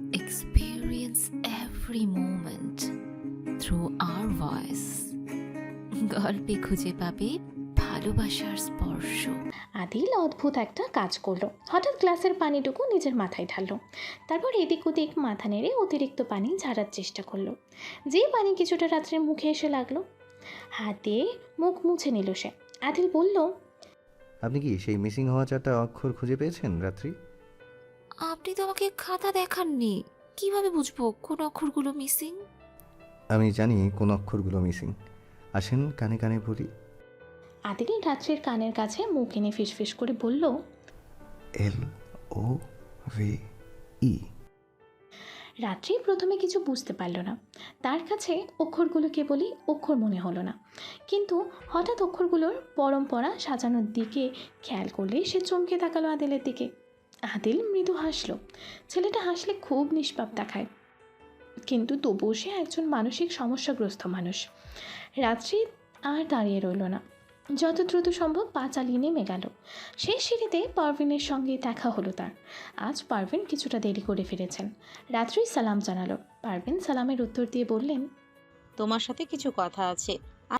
experience every moment through our voice. গল্পে খুঁজে পাবে ভালোবাসার স্পর্শ। আদিল অদ্ভুত একটা কাজ করলো। হঠাৎ গ্লাসের পানিটুকু নিজের মাথায় ঢাললো। তারপর এদিক ওদিক মাথা নেড়ে অতিরিক্ত পানি ঝাড়ার চেষ্টা করলো। যে পানি কিছুটা রাত্রের মুখে এসে লাগলো। হাত দিয়ে মুখ মুছে নিল সে। আদিল বলল, আপনি কি সেই মিসিং হওয়া 4টা অক্ষর খুঁজে পেয়েছেন রাত্রি? আপনি তো আমাকে খাতা দেখাননি, কিভাবে বুঝবো কোন অক্ষরগুলো মিসিং? আমি জানি কোন অক্ষরগুলো মিসিং। আসেন কানে কানে বলি। আদিল রাত্রির কানের কাছে মুখ এনে ফিসফিস করে বলল, LOVE। রাত্রি প্রথমে কিছু বুঝতে পারল না। তার কাছে অক্ষরগুলো কেবলই অক্ষর মনে হলো না। কিন্তু হঠাৎ অক্ষরগুলোর পরম্পরা সাজানোর দিকে খেয়াল করলে সে চমকে তাকালো আদিলের দিকে। আদিল মৃদু হাসল। ছেলেটা হাসলে খুব নিষ্পাপ দেখায়, কিন্তু তবুও সে একজন মানসিক সমস্যাগ্রস্ত মানুষ। রাত্রি আর দাঁড়িয়ে রইল না, যত দ্রুত সম্ভব পা চালিয়ে নেমে গেল। শেষ সিঁড়িতে পারভিনের সঙ্গে দেখা হলো তার। আজ পারভিন কিছুটা দেরি করে ফিরেছেন। রাত্রি সালাম জানালো। পারভিন সালামের উত্তর দিয়ে বললেন, তোমার সাথে কিছু কথা আছে।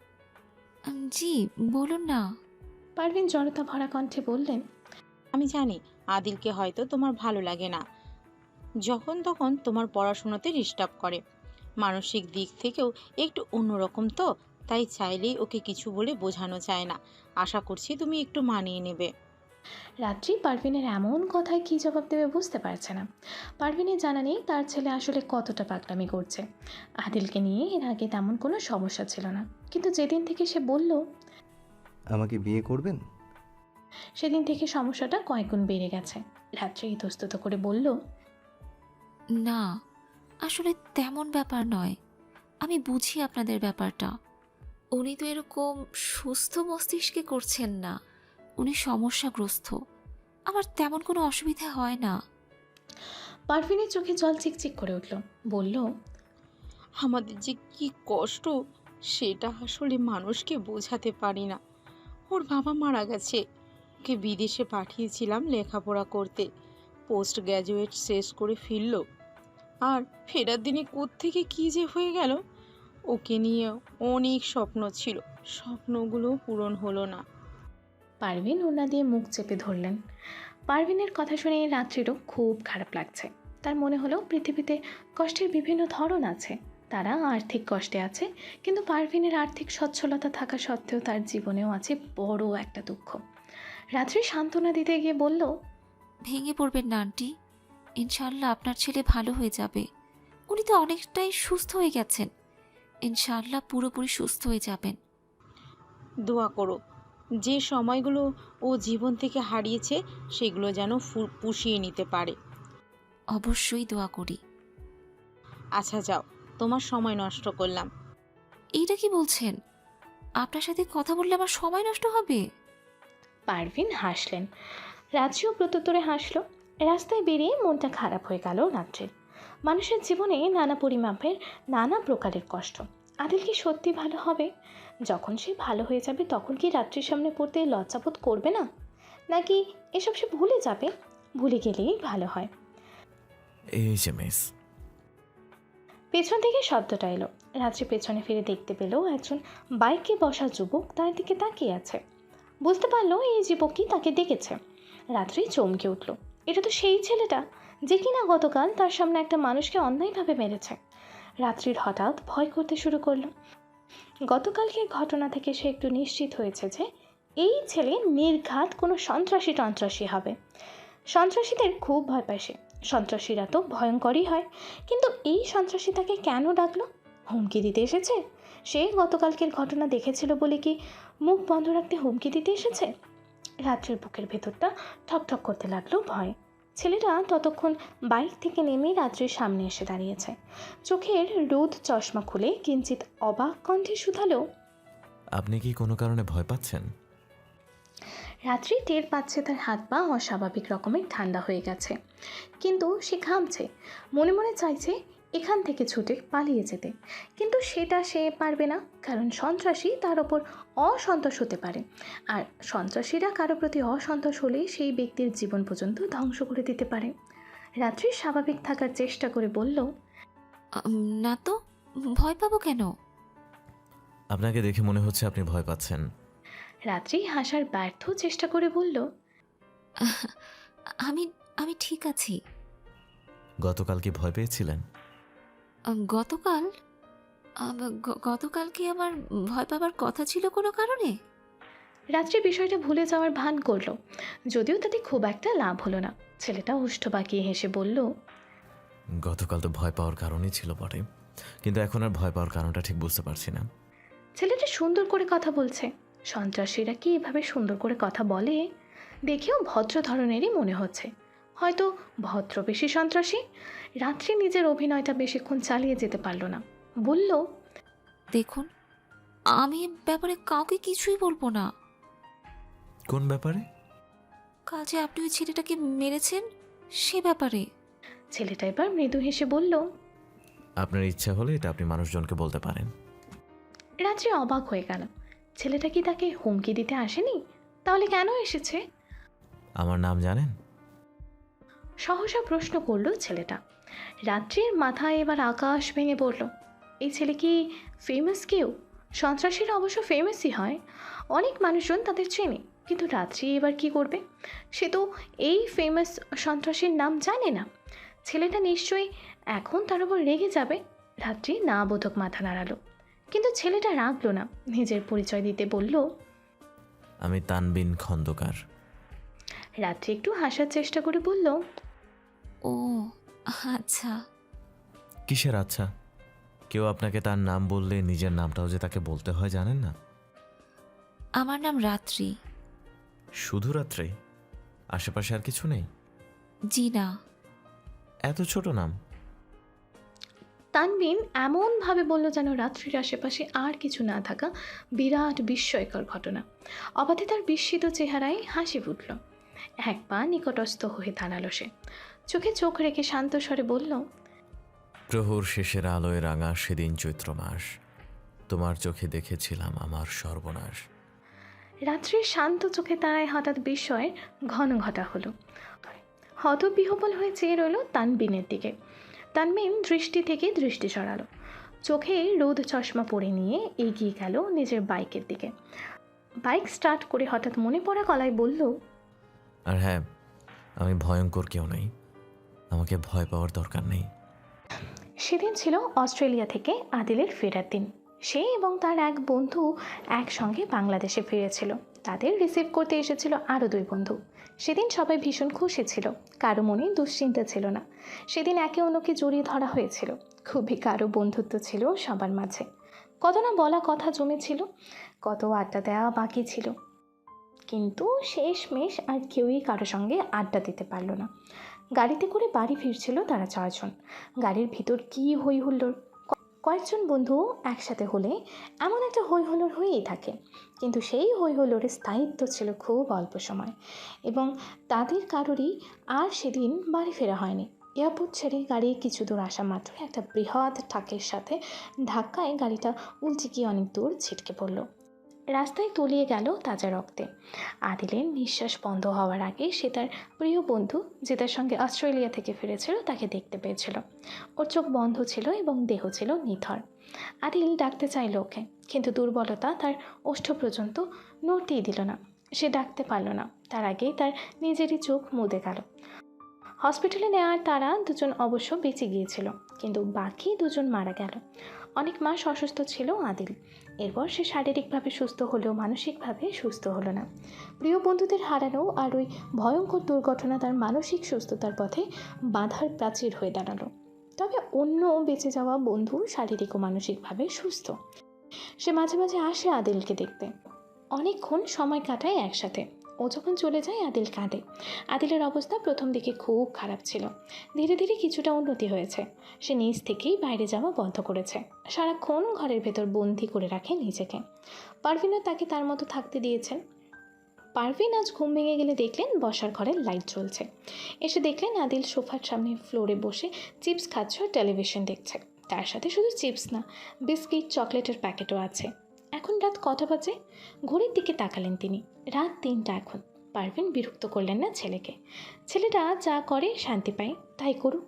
জি বলুন না। পারভিন জড়তা ভরা কণ্ঠে বললেন, আমি জানি আদিলকে হয়তো তোমার ভালো লাগে না, যখন তখন তোমার পড়াশোনাতে ডিস্টার্ব করে। মানসিক দিক থেকেও একটু অন্যরকম, তো তাই চাইলেই ওকে কিছু বলে বোঝানো যায় না। আশা করছি তুমি একটু মানিয়ে নেবে। রাত্রি পারভিনের এমন কথায় কী জবাব দেবে বুঝতে পারছে না। পারভিনের জানা নেই তার ছেলে আসলে কতটা পাগলামি করছে। আদিলকে নিয়ে এর আগে তেমন কোনো সমস্যা ছিল না, কিন্তু যেদিন থেকে সে বলল, আমাকে বিয়ে করবেন? সেদিন থেকে সমস্যাটা কয়েকগুণ বেড়ে গেছে। রাত্রি ইতস্তত করে বলল, না, আসলে তেমন ব্যাপার নয়। আমি বুঝি আপনাদের ব্যাপারটা। উনি তো এরকম সুস্থ মস্তিষ্কে করছেন না, উনি সমস্যাগ্রস্ত। আমার তেমন কোনো অসুবিধা হয় না। পারভিনের চোখে জল চিকচিক করে উঠল। বলল, আমাদের যে কি কষ্ট সেটা আসলে মানুষকে বোঝাতে পারি না। ওর বাবা মারা গেছে, ওকে বিদেশে পাঠিয়েছিলাম লেখাপড়া করতে। পোস্ট গ্র্যাজুয়েট শেষ করে ফিরল, আর ফেরার দিনে কোত্থেকে কী যে হয়ে গেল। ওকে নিয়ে অনেক স্বপ্ন ছিল, স্বপ্নগুলো পূরণ হলো না। পারভিন ওনা দিয়ে মুখ চেপে ধরলেন। পারভিনের কথা শুনে রাত্রিরও খুব খারাপ লাগছে। তার মনে হলো পৃথিবীতে কষ্টের বিভিন্ন ধরন আছে। তারা আর্থিক কষ্টে আছে, কিন্তু পারভিনের আর্থিক সচ্ছলতা থাকা সত্ত্বেও তার জীবনেও আছে বড় একটা দুঃখ। রাত্রি সান্ত্বনা দিতে গিয়ে বলল, ভেঙে পড়বেন না আন্টি, ইনশাআল্লাহ আপনার ছেলে ভালো হয়ে যাবে। উনি তো অনেকটাই সুস্থ হয়ে গেছেন, ইনশাআল্লাহ পুরোপুরি সুস্থ হয়ে যাবেন। দোয়া করো, যে সময়গুলো ও জীবন থেকে হারিয়েছে সেগুলো যেন পুষিয়ে নিতে পারে। অবশ্যই দোয়া করি। আচ্ছা যাও, তোমার সময় নষ্ট করলাম। এইটা কি বলছেন? আপনার সাথে কথা বললে আমার সময় নষ্ট হবে? পারভিন হাসলেন। রাত্রিও প্রত্যুত্তরে হাসল। রাস্তায় বেরিয়ে মনটা খারাপ হয়ে গেল রাত্রির। মানুষের জীবনে নানা পরিমাপের নানা প্রকারের কষ্ট। আদিল কি সত্যি ভালো হবে? যখন সে ভালো হয়ে যাবে তখন কি রাত্রির সামনে পড়তে লজ্জাবোধ করবে না? নাকি এসব সে ভুলে যাবে? ভুলে গেলেই ভালো হয়। এই যে মিস। পেছন থেকে শব্দটা এলো। রাত্রি পেছনে ফিরে দেখতে পেল একজন বাইকে বসা যুবক তার দিকে তাকিয়ে আছে। বুঝতে পারলো এই যুবকই তাকে ডেকেছে। রাত্রি চমকে উঠল। এটা তো সেই ছেলেটা যে কিনা গতকাল তার সামনে একটা মানুষকে অন্যায়ভাবে মেরেছে। রাত্রির হঠাৎ ভয় করতে শুরু করলো। গতকালকের ঘটনা থেকে সে একটু নিশ্চিত হয়েছে যে এই ছেলে নির্ঘাত কোনো সন্ত্রাসী হবে। সন্ত্রাসীদের খুব ভয় পায় সে। সন্ত্রাসীরা তো ভয়ঙ্করই হয়, কিন্তু এই সন্ত্রাসী তাকে কেন ডাকলো? হুমকি দিতে এসেছে? সে গতকালকের ঘটনা দেখেছিল বলে কি মুখ বন্ধ রাখতে হুমকি দিতে এসেছে? রাত্রির বুকের ভেতরটা ঠকঠক করতে লাগলো ভয়। ছেলেটা ততক্ষণ বাইক থেকে নেমে রাত্রির সামনে এসে দাঁড়িয়েছে। চোখের রোদ চশমা খুলে কিঞ্চিত অবাক কণ্ঠে শুধালো, আপনি কি কোনো কারণে ভয় পাচ্ছেন? রাত্রি টের পাচ্ছে তার হাত পা অস্বাভাবিক রকমের ঠান্ডা হয়ে গেছে, কিন্তু সে ঘামছে। মনে মনে চাইছে এখান থেকে ছুটে পালিয়ে যেতে, কিন্তু সেটা সে পারবে না, কারণ সন্ত্রাসী তার ওপর অসন্তোষ হতে পারে। আর সন্ত্রাসীরা কারো প্রতি অসন্তোষ হলে সেই ব্যক্তির জীবন পর্যন্ত ধ্বংস করে দিতে পারে। রাত্রি স্বাভাবিক থাকার চেষ্টা করে বলল, না তো, ভয় পাবো কেন? আপনাকে দেখে মনে হচ্ছে আপনি ভয় পাচ্ছেন। রাত্রি হাসার ব্যর্থ চেষ্টা করে বলল, আমি আমি ঠিক আছি। গতকাল কি ভয় পেয়েছিলেন? গতকাল গতকাল কি আমার ভয় পাবার কথা ছিল কোনো কারণে? রাত্রি বিষয়টা ভুলে যাওয়ার ভান করলো, যদিও তাতে খুব একটা লাভ হলো না। ছেলেটা ওষ্ঠ বাঁকিয়ে হেসে বলল, গতকাল তো ভয় পাওয়ার কারণই ছিল বটে, কিন্তু এখন আর ভয় পাওয়ার কারণটা ঠিক বুঝতে পারছি না। ছেলেটা সুন্দর করে কথা বলছে। সন্ত্রাসীরা কি এভাবে সুন্দর করে কথা বলে? দেখেও ভদ্র ধরনেরই মনে হচ্ছে, হয়তো ভদ্র বেশি সন্ত্রাসী। রাত্রি নিজের অভিনয়টা বেশিক্ষণ চালিয়ে যেতে পারল না, বলল, দেখুন, আমি এ ব্যাপারে কাউকে কিছুই বলবো না। কোন ব্যাপারে? কাল যে আপনি ওই ছেলেটাকে মেরেছেন সে ব্যাপারে। ছেলেটা এবার মৃদু হেসে বলল। আপনার ইচ্ছা হলে এটা আপনি মানুষজনকে বলতে পারেন। রাত্রি অবাক হয়ে গেল, ছেলেটা কি তাকে হুমকি দিতে আসেনি? তাহলে কেন এসেছে? আমার নাম জানেন? সহসা প্রশ্ন করলো ছেলেটা। রাত্রির মাথায় এবার আকাশ ভেঙে পড়ল। এই ছেলে কি ফেমাস কেউ? সন্ত্রাসীরা অবশ্য ফেমাসই হয়, অনেক মানুষজন তাদের চেনে, কিন্তু রাত্রি এবার কি করবে? সে তো এই ফেমাস সন্ত্রাসীর নাম জানে না। ছেলেটা নিশ্চয়ই এখন তার উপর রেগে যাবে। রাত্রি না বোধক মাথা নাড়ালো, কিন্তু ছেলেটা রাগলো না, নিজের পরিচয় দিতে বলল, আমি তানবিন খন্দকার। রাত্রি একটু হাসার চেষ্টা করে বলল, ও আচ্ছা। কিসের আচ্ছা? কেউ আপনাকে তার নাম বললে নিজের নামটাও যে তাকে বলতে হয় জানেন না? আমার নাম রাত্রি। শুধু রাত্রে? আশেপাশে আর কিছু নেই? জি না। এত ছোট নাম? তানবিন এমনভাবে বলল যেন রাত্রির আশেপাশে আর কিছু না থাকা বিরাট বিস্ময়কর ঘটনা। অবাধে তার বিস্মিত চেহারায় হাসি ফুটল। এক পা নিকটস্থ হয়ে দাঁড়ালো সে, চোখে চোখ রেখে শান্ত স্বরে বলল, প্রহর শেষের আলোয় রাঙা সেদিন চৈত্র মাস, তোমার চোখে দেখেছিলাম আমার সর্বনাশ। রাত্রির শান্ত চোখে তারায় হঠাৎ বিস্ময়ের ঘন ঘটা হলো। হতবিহ্বল হয়ে চেয়ে রইল তানবিনের দিকে। তানবিন দৃষ্টি থেকে দৃষ্টি সরালো, চোখে রোদ চশমা পরে নিয়ে এগিয়ে গেল নিজের বাইকের দিকে। বাইক স্টার্ট করে হঠাৎ মনে পড়া গলায় বলল, আর হ্যাঁ, আমি ভয়ঙ্কর কেউ নই, আমাকে ভয় পাওয়ার দরকার নেই। সেদিন ছিল অস্ট্রেলিয়া থেকে আদিলের ফেরার দিন। সে এবং তার এক বন্ধু একসঙ্গে বাংলাদেশে ফিরেছিল। তাদের রিসিভ করতে এসেছিল আরও দুই বন্ধু। সেদিন সবাই ভীষণ খুশি ছিল, কারো মনে দুশ্চিন্তা ছিল না। সেদিন একে অন্যকে জড়িয়ে ধরা হয়েছিল, খুবই কারো বন্ধুত্ব ছিল সবার মাঝে। কত না বলা কথা জমেছিল, কত আড্ডা দেওয়া বাকি ছিল, কিন্তু শেষমেশ আর কেউই কারো সঙ্গে আড্ডা দিতে পারল না। গাড়িতে করে বাড়ি ফিরছিল তারা চারজন। গাড়ির ভিতর কী হই হুল্লোড়! কয়েকজন বন্ধু একসাথে হলে এমন একটা হই হুল্লোড় হয়েই থাকে, কিন্তু সেই হই হুল্লোড়ের স্থায়িত্ব ছিল খুব অল্প সময়, এবং তাদের কারোরই আর সেদিন বাড়ি ফেরা হয়নি। এয়ারপোর্ট ছেড়ে গাড়ি কিছু দূর আসা মাত্র একটা বৃহৎ ট্রাকের সাথে ধাক্কায় গাড়িটা উল্টে গিয়ে অনেক দূর ছিটকে পড়ল। রাস্তায় তলিয়ে গেল তাজা রক্তে। আদিলের নিঃশ্বাস বন্ধ হওয়ার আগে সে তার প্রিয় বন্ধু, যে তার সঙ্গে অস্ট্রেলিয়া থেকে ফিরেছিল, তাকে দেখতে পেয়েছিল। ওর চোখ বন্ধ ছিল এবং দেহ ছিল নিথর। আদিল ডাকতে চাইল ওকে, কিন্তু দুর্বলতা তার ওষ্ঠ পর্যন্ত নড়তেই দিল না। সে ডাকতে পারল না, তার আগেই তার নিজেরই চোখ মুদে গেল। হসপিটালে নেওয়ার তারা দুজন অবশ্য বেঁচে গিয়েছিল, কিন্তু বাকি দুজন মারা গেল। অনেক মাস অসুস্থ ছিল আদিল। এরপর সে শারীরিকভাবে সুস্থ হলেও মানসিকভাবে সুস্থ হলো না। প্রিয় বন্ধুদের হারানো আর ওই ভয়ঙ্কর দুর্ঘটনা তার মানসিক সুস্থতার পথে বাধার প্রাচীর হয়ে দাঁড়ালো। তবে অন্য বেঁচে যাওয়া বন্ধু শারীরিক ও মানসিকভাবে সুস্থ। সে মাঝে মাঝে আসে আদিলকে দেখতে, অনেকক্ষণ সময় কাটায় একসাথে। ও যখন চলে যায় আদিল কাঁদে। আদিলের অবস্থা প্রথম দিকে খুব খারাপ ছিল, ধীরে ধীরে কিছুটা উন্নতি হয়েছে। সে নিজ থেকেই বাইরে যাওয়া বন্ধ করেছে, সারাক্ষণ ঘরের ভেতর বন্দি করে রাখে নিজেকে। পারভিনও তাকে তার মতো থাকতে দিয়েছেন। পারভিন আজ ঘুম ভেঙে গেলে দেখলেন বসার ঘরে লাইট জ্বলছে। এসে দেখলেন আদিল সোফার সামনে ফ্লোরে বসে চিপস খাচ্ছে, টেলিভিশন দেখছে। তার সাথে শুধু চিপস না, বিস্কিট, চকলেটের প্যাকেটও আছে। এখন রাত কটা বাজে? ঘড়ির দিকে তাকালেন তিনি, রাত 3টা এখন। পারভিন বিরক্ত করলেন না ছেলেকে। ছেলেটা যা করে শান্তি পায়, তাই করুক।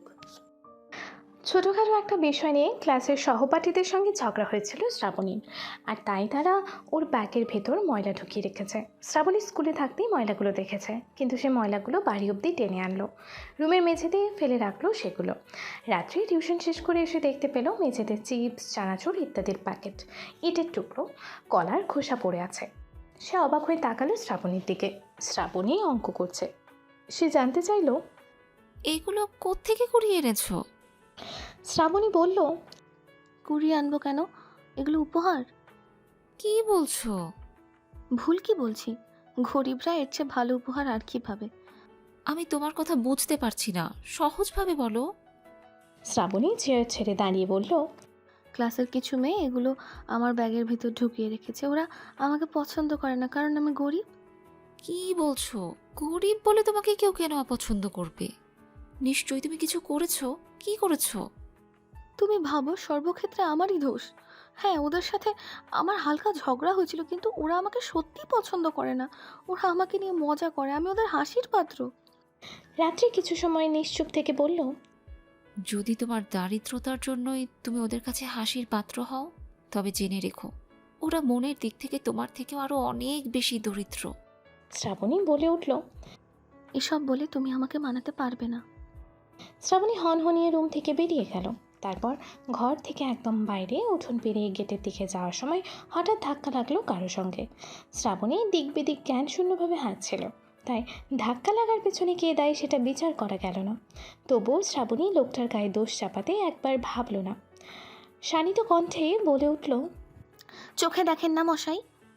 ছোটোখাটো একটা বিষয় নিয়ে ক্লাসের সহপাঠীদের সঙ্গে ঝগড়া হয়েছিল শ্রাবণীর, আর তাই তারা ওর ব্যাগের ভেতর ময়লা ঢুকিয়ে রেখেছে। শ্রাবণী স্কুলে থাকতেই ময়লাগুলো দেখেছে, কিন্তু সে ময়লাগুলো বাড়ি অবধি টেনে আনলো, রুমের মেঝেতে ফেলে রাখলো সেগুলো। রাত্রে টিউশন শেষ করে এসে দেখতে পেল মেঝেতে চিপস, চানাচুর ইত্যাদির প্যাকেট, ইটের টুকরো, কলার খোসা পড়ে আছে। সে অবাক হয়ে তাকালো শ্রাবণীর দিকে। শ্রাবণী অঙ্ক করছে। সে জানতে চাইলো, এগুলো কোত্থেকে কুড়িয়ে এনেছো? শ্রাবণী বলল, কুড়িয়ে আনবো কেন? এগুলো উপহার। কি বলছো? ভুল কি বলছি? গরিবরা এর চেয়ে ভালো উপহার আর কি পাবে? আমি তোমার কথা বুঝতে পারছি না, সহজভাবে বলো। শ্রাবণী চেয়ার ছেড়ে দাঁড়িয়ে বলল, ক্লাসের কিছু মেয়ে এগুলো আমার ব্যাগের ভিতর ঢুকিয়ে রেখেছে। ওরা আমাকে পছন্দ করে না, কারণ আমি গরিব। কি বলছো? গরিব বলে তোমাকে কেউ কেন অপছন্দ করবে? নিশ্চয়ই তুমি কিছু করেছো। কি করেছো? তুমি ভাবো সর্বক্ষেত্রে আমারই দোষ? হ্যাঁ, ওদের সাথে আমার হালকা ঝগড়া হয়েছিল, কিন্তু ওরা আমাকে সত্যি পছন্দ করে না। ওরা আমাকে নিয়ে মজা করে, আমি ওদের হাসির পাত্র। রাত্রি কিছু সময় নিশ্চুপ থেকে বলল, যদি তোমার দারিদ্রতার জন্যই তুমি ওদের কাছে হাসির পাত্র হও, তবে জেনে রেখো ওরা মনের দিক থেকে তোমার থেকেও আরো অনেক বেশি দরিদ্র। শ্রাবণী বলে উঠল। এসব বলে তুমি আমাকে মানাতে পারবে না। শ্রাবণী হনহনিয়ে রুম থেকে বেরিয়ে গেল। তারপর ঘর থেকে একদম বাইরে উঠোন পেরিয়ে গেটের দিকে যাওয়ার সময় হঠাৎ ধাক্কা লাগলো কারো সঙ্গে। শ্রাবণী দিক বেদিক জ্ঞান শূন্যভাবে হাঁটছিল, তাই ধাক্কা লাগার পেছনে কে দায়ী সেটা বিচার করা গেল না। তবুও শ্রাবণী লোকটার গায়ে দোষ চাপাতে একবার ভাবল না। শানিত কণ্ঠে বলে উঠল, চোখে দেখেন না মশাই?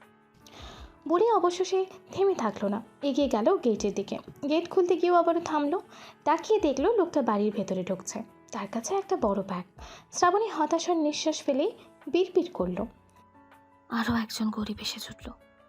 বলে অবশ্য সে থেমে থাকলো না, এগিয়ে গেল গেটের দিকে। গেট খুলতে গিয়েও আবারও থামলো। তাকিয়ে দেখলো লোকটা বাড়ির ভেতরে ঢুকছে, তার কাছে একটা বড় ব্যাগ। শ্রাবণী হতাশার নিঃশ্বাস ফেলে বিড়বিড় করলো, আরও একজন গরিব এসে জুটল।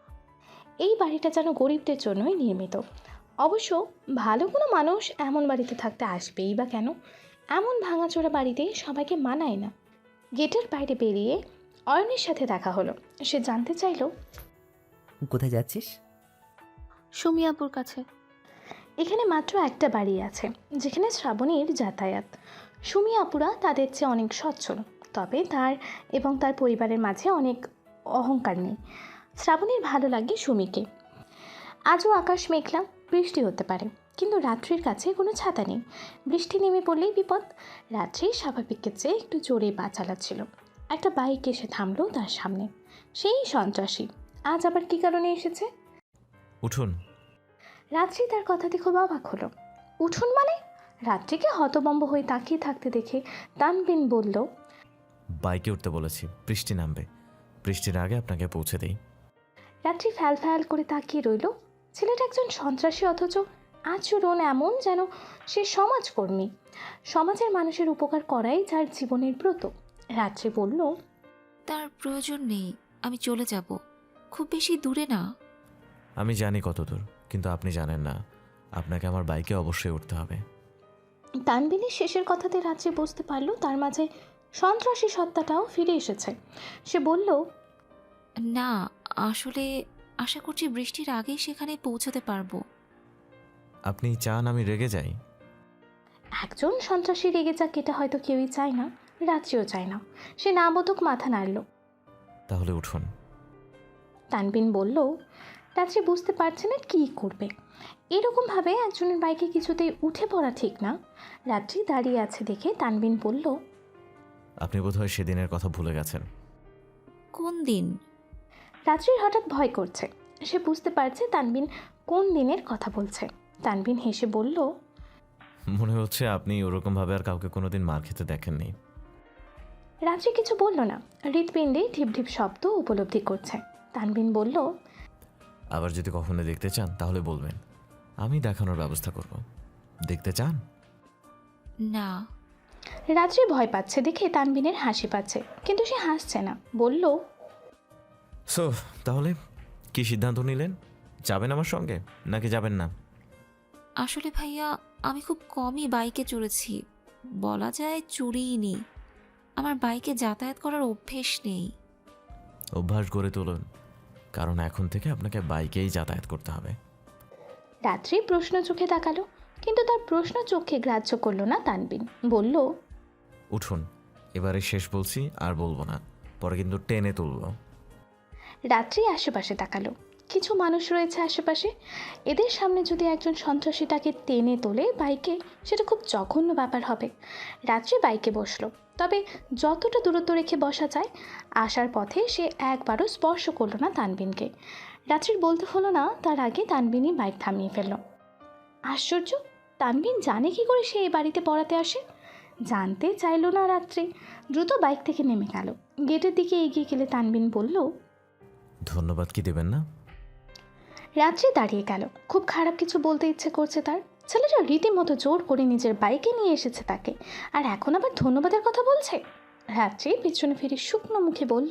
এই বাড়িটা যেন গরিবদের জন্যই নির্মিত। অবশ্য ভালো কোনো মানুষ এমন বাড়িতে থাকতে আসবেই বা কেন? এমন ভাঙাচোরা বাড়িতে সবাইকে মানায় না। গেটের বাইরে বেরিয়ে অয়নের সাথে দেখা হলো। সে জানতে চাইলো, কোথায় যাচ্ছিস? সুমিয়াপুর কাছে। এখানে মাত্র একটা বাড়ি আছে যেখানে শ্রাবণীর যাতায়াত। সুমি আপুরা তাদের চেয়ে অনেক সচ্ছল, তবে তার এবং তার পরিবারের মাঝে অনেক অহংকার নেই। শ্রাবণীর ভালো লাগে সুমিকে। আজও আকাশ মেঘলা, বৃষ্টি হতে পারে, কিন্তু রাত্রির কাছে কোনো ছাতা নেই। বৃষ্টি নেমে পড়লেই বিপদ। রাত্রি স্বাভাবিকের চেয়ে একটু জোরে পা চালাচ্ছিল। একটা বাইক এসে থামলো তার সামনে। সেই সন্ত্রাসী আজ আবার কী কারণে এসেছে? উঠুন। রাত্রি তার কথাতে খুব অবাক হলো। উঠুন মানে? রাত্রিকে হতভম্ব হয়ে তাকিয়ে থাকতে দেখে তানবিন বলল, বাইকে উঠতে বলেছি, বৃষ্টি নামবে, বৃষ্টির আগে আপনাকে পৌঁছে দেই। রাত্রি ফ্যাল ফ্যাল করে তাকিয়ে রইল। ছেলেটা একজন সন্ত্রাসী, অথচ আচরণ এমন যেন সে সমাজকর্মী। সমাজের মানুষের উপকার করাই যার জীবনের ব্রত। রাত্রি বলল, তার প্রয়োজন নেই, আমি চলে যাব, খুব বেশি দূরে না। আমি জানি কত দূর, কিন্তু আপনি জানেন না, আপনাকে আমার বাইকে অবশ্যই উঠতে হবে। তানবিনের শেষের কথাতে রাত্রি বুঝতে পারল তার মাঝে সন্ত্রাসী সত্তাটাও ফিরে এসেছে। সে বলল, না, আসলে আশা করছি বৃষ্টির আগেই সেখানে পৌঁছতে পারবো। আপনি চান আমি রেগে যাই? একজন সন্ত্রাসী রেগে যাক এটা হয়তো কেউই চায় না, রাত্রিও চায় না। সে না বোধক মাথা নাড়ল। তাহলে উঠুন। তানবিন বলল, রাত্রি বুঝতে পারছে না কী করবে। এরকমভাবে একজনের বাইকে কিছুতেই উঠে পড়া ঠিক না। রাত্রি দাঁড়িয়ে আছে দেখে তানবিন বলল, আপনি বোধহয় সেদিনের কথা ভুলে গেছেন। কোন দিন? রাত্রির হঠাৎ ভয় করছে। সে বুঝতে পারছে তানবিন কোন দিনের কথা বলছে। তানবিন হেসে বলল, মনে হচ্ছে আপনি ওরকমভাবে আর কাউকে কোনোদিন মার খেতে দেখেননি। রাত্রি কিছু বলল না, হৃৎপিণ্ডে ঢিপ ঢিপ শব্দ উপলব্ধি করছে। তানবিন বলল, আবার যদি কখনো দেখতে চান তাহলে বলবেন, আমি দেখানোর ব্যবস্থা করব। দেখতে চান? না। রাত্রি ভয় পাচ্ছে দেখে তানবিনের হাসি পাচ্ছে, কিন্তু সে হাসছে না। বলল, সো তাহলে কি সিদ্ধান্ত নিলেন? যাবেন আমার সঙ্গে নাকি যাবেন না? আসলে ভাইয়া, আমি খুব কমই বাইকে চড়েছি, বলা যায় চড়িই নি। আমার বাইকে যাতায়াত করার অভ্যেস নেই। অভ্যাস গড়ে তুলুন, কারণ এখন থেকে আপনাকে বাইকেই যাতায়াত করতে হবে। রাত্রি প্রশ্ন চোখে তাকালো, কিন্তু তার প্রশ্ন চোখে গ্রাহ্য করলো না তানবিন। বলল, উঠুন, এবারে শেষ বলছি, আর বলবো না, পরে কিন্তু টেনে তুলবো। রাত্রি আশেপাশে তাকালো। কিছু মানুষ রয়েছে আশেপাশে, এদের সামনে যদি একজন সন্ত্রাসী তাকে টেনে তোলে বাইকে, সেটা খুব জঘন্য ব্যাপার হবে। রাত্রি বাইকে বসলো, তবে যতটা দূরত্ব রেখে বসা যায়। আসার পথে সে একবারও স্পর্শ করলো না তানবিনকে। রাত্রির বলতে হলো না, তার আগে তানবিনই বাইক থামিয়ে ফেলল। আশ্চর্য, তানবিন জানে কি করে সে এই বাড়িতে পড়াতে আসে? জানতে চাইলো না রাত্রি। দ্রুত বাইক থেকে নেমে গেল। গেটের দিকে এগিয়ে গেলে তানবিন বলল, ধন্যবাদ কি দেবেন না? রাত্রি দাঁড়িয়ে গেল। খুব খারাপ কিছু বলতে ইচ্ছে করছে তার। ছেলেটা রীতিমতো জোর করে নিজের বাইকে নিয়ে এসেছে তাকে, আর এখন আবার ধন্যবাদের কথা বলছে। রাত্রি পিছনে ফিরে শুকনো মুখে বলল,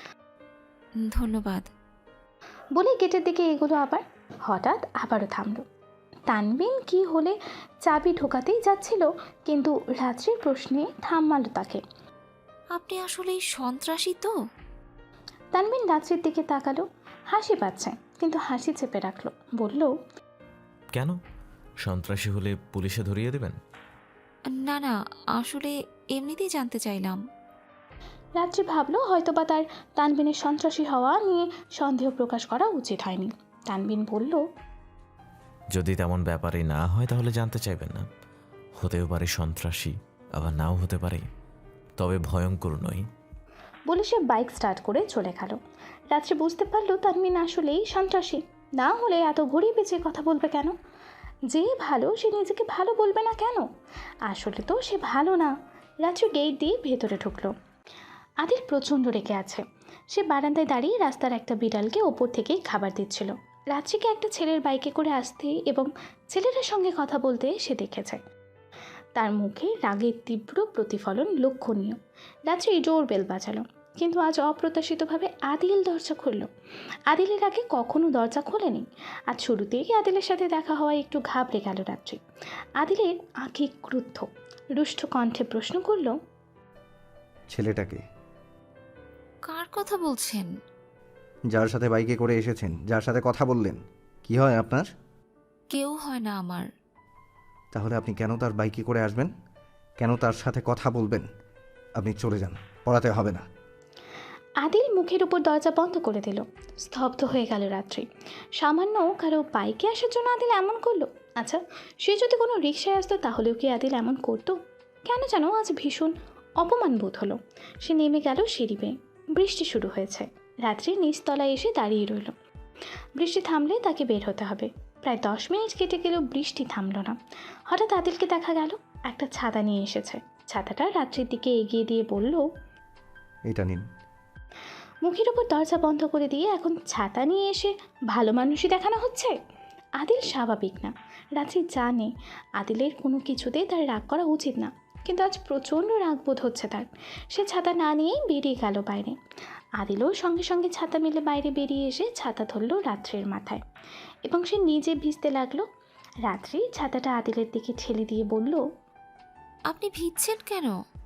ধন্যবাদ। বলে গেটের দিকে এগোলো। আবার হঠাৎ আবারও থামলো। তানবিন কি হলে চাবি ঢোকাতেই যাচ্ছিল, কিন্তু রাত্রির প্রশ্নে থামালো তাকে। আপনি আসলে সন্ত্রাসী তো? তানবিন রাত্রির দিকে তাকালো। হাসি পাচ্ছে, কিন্তু হাসি চেপে রাখলো। বলল, কেন? সন্ত্রাসী হলে পুলিশে ধরিয়ে দেবেন? না না, আসলে এমনিতেই জানতে চাইলাম। রাত্রি ভাবলো হয়তোবা তার তানবিনের সন্ত্রাসী হওয়া নিয়ে সন্দেহ প্রকাশ করা উচিত হয়নি। তানবিন বলল, যদি তেমন ব্যাপারই না হয় তাহলে জানতে চাইবেন না। হতেও পারে সন্ত্রাসী, আবার নাও হতে পারে, তবে ভয়ঙ্কর নই। বলে সে বাইক স্টার্ট করে চলে গেল। রাত্রি বুঝতে পারলো তানবিন আসলেই সন্ত্রাসী। না হলে এত ঘুরিয়ে পেঁচিয়ে কথা বলবে কেন? যে ভালো সে নিজেকে ভালো বলবে না কেন? আসলে তো সে ভালো না। রাত্রি গেট দিয়ে ভেতরে ঢুকলো। আদিল প্রচণ্ড রেগে আছে। সে বারান্দায় দাঁড়িয়ে রাস্তার একটা বিড়ালকে ওপর থেকেই খাবার দিচ্ছিল। রাত্রিকে একটা ছেলের বাইকে করে আসতে এবং ছেলেটার সঙ্গে কথা বলতে সে দেখেছে। তার মুখে রাগের তীব্র প্রতিফলন লক্ষণীয়। রাত্রি জোর বেল বাজালো, কিন্তু আজ অপ্রত্যাশিতভাবে আদিল দরজা খুলল। আদিলের আগে কখনো দরজা খোলেনি। আজ শুরুতেই আদিলের সাথে দেখা হওয়ায় একটু ঘাবড়ে গেল রাত্রি। আদিলের আঁখি ক্রুদ্ধ, রুষ্ট কণ্ঠে প্রশ্ন করল, ছেলেটাকে? কার কথা বলছেন? যার সাথে বাইকে করে এসেছেন, যার সাথে কথা বললেন, কি হয় আপনার? কেউ হয় না আমার। তাহলে আপনি কেন তার বাইকে করে আসবেন? কেন তার সাথে কথা বলবেন? আপনি চলে যান, পড়াতে হবে না। আদিল মুখের উপর দরজা বন্ধ করে দিল। স্তব্ধ হয়ে গেল রাত্রি। সামান্য কারো বাইকে আসার জন্য আদিল এমন করলো? আচ্ছা, সে যদি কোনো রিকশায় আসতো তাহলেও কি আদিল এমন করতো? কেন যেন আজ ভীষণ অপমান বোধ হলো। সে নেমে গেল সিঁড়ি বেয়ে। বৃষ্টি শুরু হয়েছে। রাত্রি নিচতলায় এসে দাঁড়িয়ে রইল। বৃষ্টি থামলে তাকে বের হতে হবে। প্রায় 10 মিনিট কেটে গেলেও বৃষ্টি থামলো না। হঠাৎ আদিলকে দেখা গেল একটা ছাতা নিয়ে এসেছে। ছাতাটা রাত্রির দিকে এগিয়ে দিয়ে বলল, এটা নিন। মুখের উপর দরজা বন্ধ করে দিয়ে এখন ছাতা নিয়ে এসে ভালো মানুষই দেখানো হচ্ছে। আদিল স্বাভাবিক না। রাত্রি জানে আদিলের কোনো কিছুতেই তার রাগ করা উচিত না, কিন্তু আজ প্রচণ্ড রাগ বোধ হচ্ছে তার। সে ছাতা না নিয়েই বেরিয়ে গেল বাইরে। আদিলও সঙ্গে সঙ্গে ছাতা মেলে বাইরে বেরিয়ে এসে ছাতা ধরল রাত্রির মাথায়, এবং সে নিজে ভিজতে লাগলো। রাত্রি ছাতাটা আদিলের দিকে ঠেলে দিয়ে বলল, আপনি ভিজছেন কেন?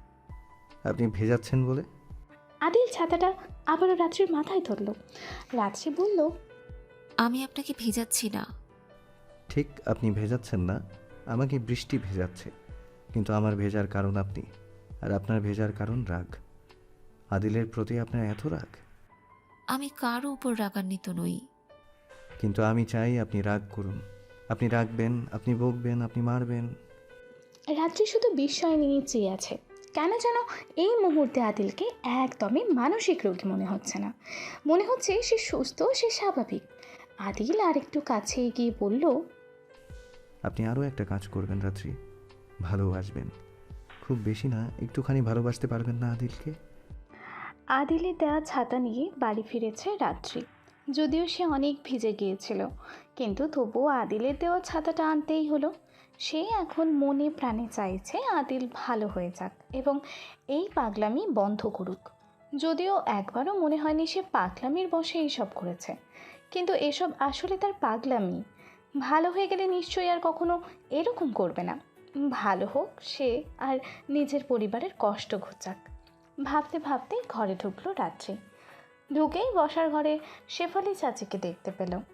আপনি ভেজাচ্ছেন বলে। আদিল ছাতাটা আবারও রাত্রির মাথায় ধরল। রাত্রি বলল, আমি আপনাকে ভিজাচ্ছি না। ঠিক, আপনি ভেজাচ্ছেন না, আমাকে বৃষ্টি ভেজাচ্ছে। কিন্তু আমার ভেজার কারণ আপনি, আর আপনার ভেজার কারণ রাগ। আদিলের প্রতি আপনার এত রাগ। আমি কারো উপর রাগান্বিত নই। কিন্তু আমি চাই আপনি রাগ করুন। আপনি রাখবেন, আপনি বকবেন, আপনি মারবেন। রাত্রি শুধু বিস্ময় নিয়ে চেয়ে আছে। কেন যেন এই মুহূর্তে আদিলকে একদমই মানসিক রোগী মনে হচ্ছে না। মনে হচ্ছে সে সুস্থ, সে স্বাভাবিক। আদিল আরেকটু কাছে এগিয়ে বলল, আপনি আরও একটা কাজ করবেন রাত্রি, ভালোবাসবেন। খুব বেশি না, একটুখানি ভালোবাসতে পারবেন না আদিলকে? আদিলের দেওয়া ছাতা নিয়ে বাড়ি ফিরেছে রাত্রি। যদিও সে অনেক ভিজে গিয়েছিল, কিন্তু তবুও আদিলের দেওয়া ছাতাটা আনতেই হলো। সে এখন মনে প্রাণে চাইছে আদিল ভালো হয়ে যাক এবং এই পাগলামি বন্ধ করুক। যদিও একবারও মনে হয়নি সে পাগলামির বশে এইসব করেছে, কিন্তু এসব আসলে তার পাগলামি। ভালো হয়ে গেলে নিশ্চয়ই আর কখনো এরকম করবে না। ভালো হোক সে, আর নিজের পরিবারের কষ্ট ঘোচাক। ভাবতে ভাবতে ঘরে ঢুকলো রাত্রি। ঢুকেই বসার ঘরে শেফালি চাচিকে দেখতে পেল।